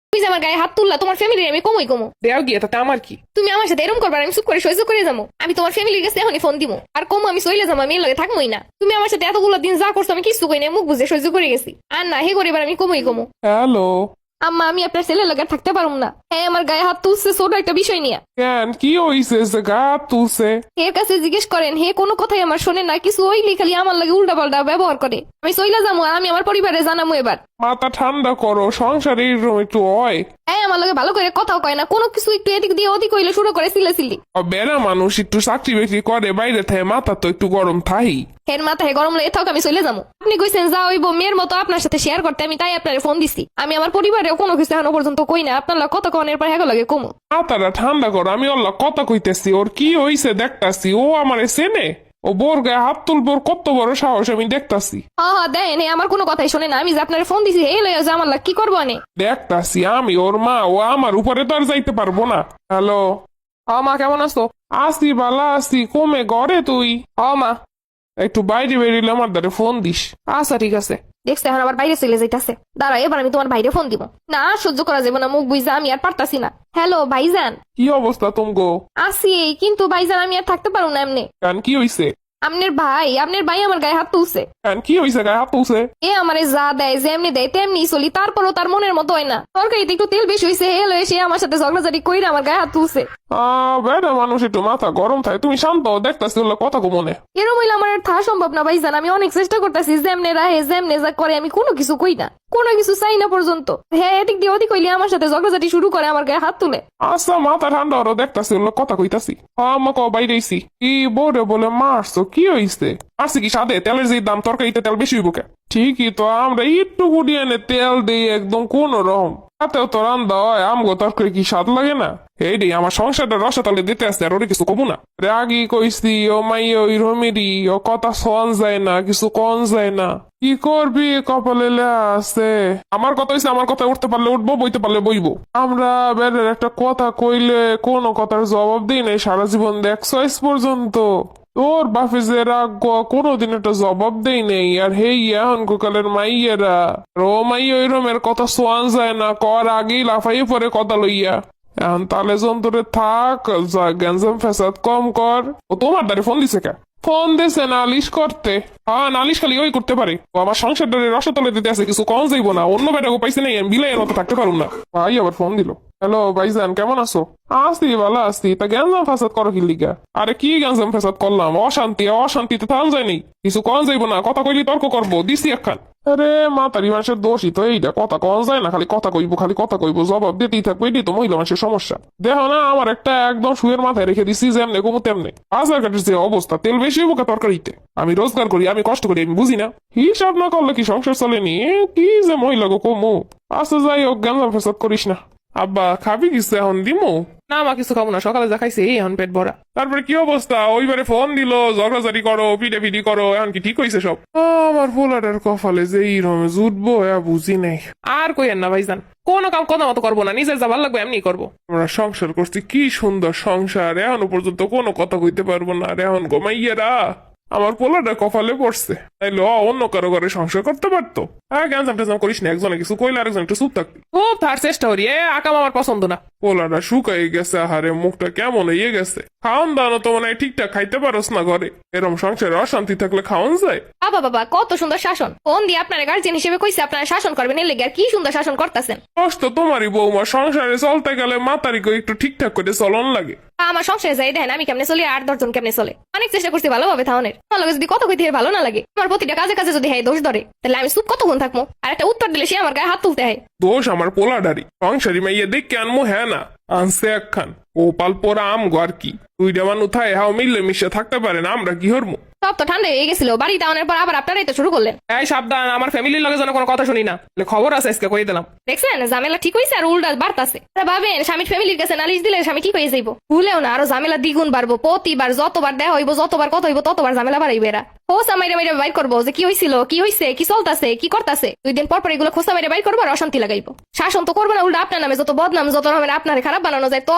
তুমি যে আমার গায়ে হাত তুললা, তোমার ফ্যামিলি আমি কমই কমো। দেও গিয়ে তাতে আমার কি? তুমি আমার সাথে এরকম করবার, আমি চুপ করে সহ্য করে যাবো। আমি তোমার ফ্যামিলির কাছে এখনই ফোন দিব, আর কম আমি চলে যাবো, আমি এর লগে থাকবোই না। তুমি আমার সাথে এতগুলো দিন যা করছো আমি কিছু কই না, মুখ বুঝে সহ্য করে গেছি। আর না হে করিবার আমি কমই কমো। হ্যালো, আম্মা আমি আপনার ছেলের লগে থাকতে পারুম না। হ্যাঁ আমার গায়ে হাত তুলছে ছোট একটা বিষয় নিয়ে। কেন কি হইছে যে গা তুলছে? এর কাছে জিজ্ঞেস করেন, হে কোনো কথাই আমার শোনে না, কিছু ওইলি খালি আমার লাগে উল্টা পাল্টা ব্যবহার করে। আমি চইলা যাবো, আর আমি আমার পরিবারে জানামু এবার। মাথা ঠান্ডা করো, সংসারে এরকম একটু হয়। হ্যাঁ আমার লগে ভালো করে কথাও কয় না, কোনো কিছু একটু এদিক দিয়ে ওদিক হইলে শুরু করে সিলেসিলি। বেড়া মানুষ একটু চাকরি বাকরি করে বাইরে থাকে, মাথা তো একটু গরম থাই। হের মাথায় গরম লেগে থাক, আমি চলে যাবো। আপনি কইছেন যা হইব মেয়ের মতো আপনার সাথে শেয়ার করতে, আমি তাই আপনার ফোন দিছি। আমি আমার পরিবারেও কোনো কিছু এখনো পর্যন্ত কই না, আপনার লগে কত কনের পর হ্যাঁ লাগে কমু। মাথাটা ঠান্ডা করো, আমি ওর কথা কইতেছি, ওর কি হইছে দেখতাছি। ও আমারে চেনে, ও বোর গায়ে হাত তুলবোর কত বড় সাহস আমি দেখতাছি। হ্যাঁ দেন, আমার কোনো কথাই শোনে না। আমি যে আপনার ফোন দিছি এই লয়ে যে আমার লাগ কি করবো আনে। দেখতাছি আমি ওর মা, ও আমার উপরে তো আর যাইতে পারবো না। হ্যালো, মা কেমন আছো? আসি বালা আসি, কমে ঘরে তুই? মা একটু বাইরে বেরিয়ে আমার দ্বারে ফোন দিস। আচ্ছা ঠিক আছে। দেখছে এখন আবার বাইরে চলে যাইতাছে। দাঁড়া এবার আমি তোমার বাইরে ফোন দিব। না সহ্য করা যাবে না, মুখ বুঝা আমি আর পারতাছি না। হ্যালো ভাইজান। কি অবস্থা তুমগো? আসি, কিন্তু ভাইজান আমি আর থাকতে পারবো না এমনি। কেন কি হইছে? আপনার ভাই আমার গায়ে হাত তুলছে। কেন কি হইছে গায়ে হাত তুলছে? এ আমারে যা দেয় যেমনি দেয় তেমনি চলি, তারপরও তার মনের মতো হয় না। তরকারিতে একটু তেল বেশি হয়েছে হেল হয়ে সে আমার সাথে ঝগড়াঝাড়ি কইরা আমার গায়ে হাত তুলছে। বেটা মানুষ একটু মাথা গরম থাকে, তুমি শান্ত হও, দেখতাছি ওগুলো কথা কো মনে। এরম হইলে আমার আর থাকা সম্ভব না ভাইজান। আমি অনেক চেষ্টা করতেছি, যেমনে রাহে যেমনে যা করে আমি কোনো কিছু কই না, কোনো কিছু চাই না পর্যন্ত। হ্যাঁ এদিক দিয়ে ওদিক হইলে আমার সাথে ঝগড়াঝাটি শুরু করে, আমার গায়ে হাত তুলে। আচ্ছা মাথা ঠান্ডা হরো, দেখতাছি ওগুলো কথা কইতাছি। আমাকে বাইরেছি কি বোরে বলে মারছো, কি হইছে? মারছি কি সাদে তেলের যে দাম, তরকারিতে তেল বেশি হইব কে? ঠিকই তো, আমরা একটু গুড়িয়ে এনে তেল দিই একদম কোন রকম, তাতেও তো রান্দা হয়। আমগো তরকারি কি স্বাদ লাগে না? এই রে আমার সংসারটা রসাতলে দিতে আসছে, আর ওরে কিছু কবু না। রাগি কইছি ও মাই ওই রমিরি, ও কথা শোন যায় না, কিছু কন যায় না। কি করবি, কপালে লেখা আছে। আমার কথা হইছে, আমার কথা উঠতে পারলে উঠবো, বইতে পারলে বইবো। আমরা বেড়ের একটা কথা কইলে কোনো কথার জবাব দিই নাই সারা জীবন, দেখছো আজ পর্যন্ত। তোর বাপে যে রাগ কোনোদিন একটা জবাব দেই নেই, আর হেই এখন কালের মাইয়েরা রো মাই ওই রমের কথা শোয়ান যায় না, কর আগেই লাফাইয়ে পরে কথা লইয়া। এখন তালে যন্ত্রে থাক, যা গ্যাঞ্জাম ফেসাদ কম কর। ও তোমার দ্বারে ফোন দিছে কে? ফোন দিছে নালিশ করতে। হ্যাঁ নালিশ খালি ওই করতে পারে, ও আমার সংসারটারে রসতলে দিতে আছে, কিছু কম যাইব না। অন্য বেটাকে পাইছে নাই, আমি বিলাইয়ের মতো থাকতে পারুম না। ভাই আবার ফোন দিল। হ্যালো ভাইজান কেমন আছো? আসছি ভালো আসছি, তা গ্যাঞ্জাম ফেসাদ করো কি লিগা? আরে কি গ্যাঞ্জাম ফেসাদ করলাম? অশান্তি, অশান্তিতে থাম যায়নি, কিছু কম যাইব না, কথা কইলি তর্ক করবো, দিছি একখান। আরে মাতারি মানুষের দোষই তো এইটা, কথা কন যায় না, খালি কথা কইবো, খালি কথা কইবো, জবাব দিতেই থাকবো, এটি তো মহিলা মানুষের সমস্যা। দেখো না আমার একটা একদম শুয়ের মাথায় রেখে দিছি, যেমনে কমু তেমনে। বাজার ঘাটের যে অবস্থা, তেল বেশি হইব তরকারিতে। আমি রোজগার করি, আমি কষ্ট করি, আমি বুঝি না? হিসাব না করলে কি সংসার চলেনি? কি যে মহিলা গো কমু। আচ্ছা যাই হোক, গ্যাঞ্জাম ফেসাদ করিস না। আব্বা খাবি কিছু এখন দিমু? না মা কিছু খাবো না, সকালে যা খাইছি এখন পেট ভরা। তারপরে কি অবস্থা? ওইবারে ফোন দিল, ঝগড়াঝাড়ি করো, পিটে পিটি করো, এখন কি ঠিক হয়েছে সব? আমার পোলাটার কপালে যে এইরকম জুটবো বুঝি নাই। আর কইেন না ভাইজান, কোনো কাম কথা মতো করবো না, নিজের যা ভালো লাগবে এমনি করবো। আমরা সংসার করছি, কি সুন্দর সংসার, এখনো পর্যন্ত কোনো কথা কইতে পারবো না। আর এখন গোমাইয়েরা আমার পোলাটা কপালে পড়ছে, তাইলে অন্য কারো ঘরে সংসার করতে পারতো। হ্যাঁ গ্যাঞ্জাম ট্যাঞ্জাম করিস না, একজনে কিছু কইলে আরেকজন একটু চুপ থাকবি। খুব তার চেষ্টা করি, আকাম আমার পছন্দ না। পোলাটা শুকাই গেছে, আহারে মুখটা কেমন হয়ে গেছে। খাওয়ান দাওয়ানো তো মনে হয় ঠিকঠাক খাইতে পারস না ঘরে। এরম সংসারে অশান্তি থাকলে খাওয়ান যায়? বাবা কত সুন্দর শাসন। ফোন দিয়ে আপনার গার্জিয়ান হিসেবে কইছে আপনারা শাসন করবেন, এর লেগে আর কি সুন্দর শাসন করতেছেন। কষ্ট তোমারই বৌমা, সংসারে চলতে গেলে মাতারি করে একটু ঠিকঠাক করে চলন লাগে। আমার সংসারে যাই দেখেন আমি কেমনে চলি, আর 10 জন কেমনে চলে। অনেক চেষ্টা করছি ভালোভাবে থাউনের। আমার লগে যদি কত কইতে ভালো না লাগে, আমার প্রতিটা কাজে কাজে যদি হ্যাঁ দোষ ধরে, তাহলে আমি চুপ কতক্ষণ থাকবো? আর একটা উত্তর দিলে সে আমার গায়ে হাত তুলতে হয়। দোষ আমার পোলাডারি, সংসারী মাইয়া দেখে আনমো হ্যাঁ না, আনছে একখান ও পালপোরা আম আর কি। দুইটা মানুষ থায় হাও মিললে মিশে থাকতে পারে না, আমরা কি হরমু? সব তো ঠান্ডা হয়ে গেছিল, বাড়ি টাউনের পর আবার আপনারাই তো শুরু করলেন। এই সাবধান, আমার ফ্যামিলির লগে যেন কোনো কথা শুনি না, খবর আছে আজকে কই দিলাম। দেখছেন ঝামেলা ঠিক হয়েছে আর উল্টা বাড়তাছে। ভাবেন স্বামীর ফ্যামিলির কাছে নালিশ দিলে স্বামী ঠিক হয়ে যাইব, ভুলেও না আরো ঝামেলা দ্বিগুণ বাড়বো। প্রতিবার যতবার দেয়া হইব, যতবার কথা হইব, ততবার ঝামেলা বাড়াইবে এরা। খোসা মাইরে মাইরে বাইর করবো যে কি হয়েছিল, কি হয়েছে, কি চলতেছে, কি করতেছে। 2 দিন পর এগুলো খোসা মাইরে বাইর করবো আর অশান্তি লাগাইবো। শাসন তো করবো না, উল্টা আপনার নামে যত বদনাম, যত রকমের আপনার খারাপ বানানো যায়, তত রকমের কাহিনী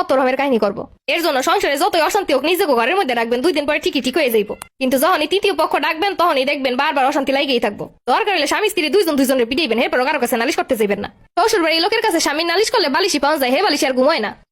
কাহিনী করবো। এর জন্য সংসারে যতই অশান্তি হোক নিজেকে ঘরের মধ্যে রাখবেন, 2 দিন পরে ঠিকই ঠিক হয়ে যাইবো। কিন্তু যখনই তৃতীয় পক্ষ ডাকবেন তখনই দেখবেন বারবার অশান্তি লাগেই থাকবো। দরকার হলে স্বামী স্ত্রী দুজনের পিটাইবেন, এরপর কারো কাছে নালিশ করতে যাইবেন না। শ্বশুর বাড়ির লোকের কাছে স্বামীর নালিশ করলে বালিশি পাওয়া যায়, হে বালিশি আর ঘুমায় না।